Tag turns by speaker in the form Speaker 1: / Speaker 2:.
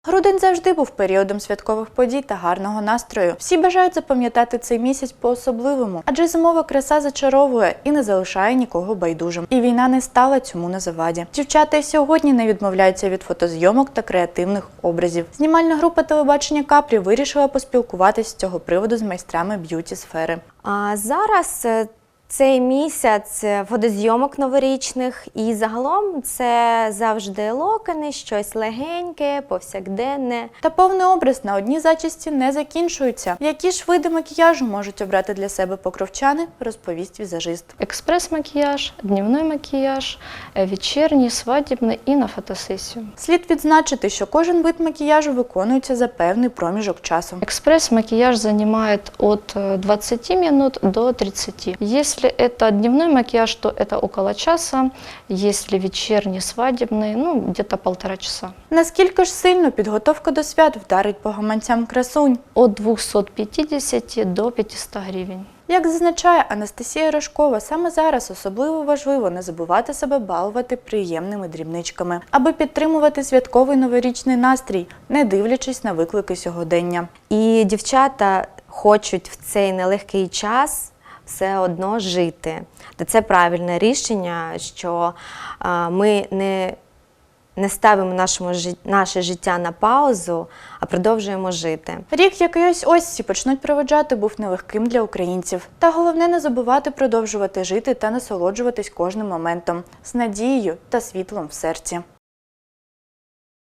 Speaker 1: Грудень завжди був періодом святкових подій та гарного настрою. Всі бажають запам'ятати цей місяць по-особливому, адже зимова краса зачаровує і не залишає нікого байдужим. І війна не стала цьому на заваді. Дівчата й сьогодні не відмовляються від фотозйомок та креативних образів. Знімальна група телебачення Капрі вирішила поспілкуватись з цього приводу з майстрами б'юті-сфери.
Speaker 2: А зараз цей місяць фотозйомок новорічних і загалом це завжди локони, щось легеньке, повсякденне.
Speaker 1: Та повний образ на одній зачісті не закінчується. Які ж види макіяжу можуть обрати для себе покровчани, розповість візажист.
Speaker 3: Експрес-макіяж, дневний макіяж, вечірній, свадібний і на фотосесію.
Speaker 1: Слід відзначити, що кожен вид макіяжу виконується за певний проміжок часу.
Speaker 3: Экспресс-макияж занимает от 20 минут до 30. Если это дневной макияж, то это около часа. Если вечерний, свадебный, где-то 1,5 часа.
Speaker 1: Наскільки ж сильно підготовка до свят вдарить по гаманцям красунь?
Speaker 3: От 250 до 500 гривень.
Speaker 1: Як зазначає Анастасія Рожкова, саме зараз особливо важливо не забувати себе балувати приємними дрібничками, аби підтримувати святковий новорічний настрій, не дивлячись на виклики сьогодення.
Speaker 2: І дівчата хочуть в цей нелегкий час все одно жити. Та це правильне рішення, що ми не ставимо наше життя на паузу, а продовжуємо жити.
Speaker 1: Рік, який ось всі почнуть проведжати, був нелегким для українців. Та головне не забувати продовжувати жити та насолоджуватись кожним моментом з надією та світлом в серці.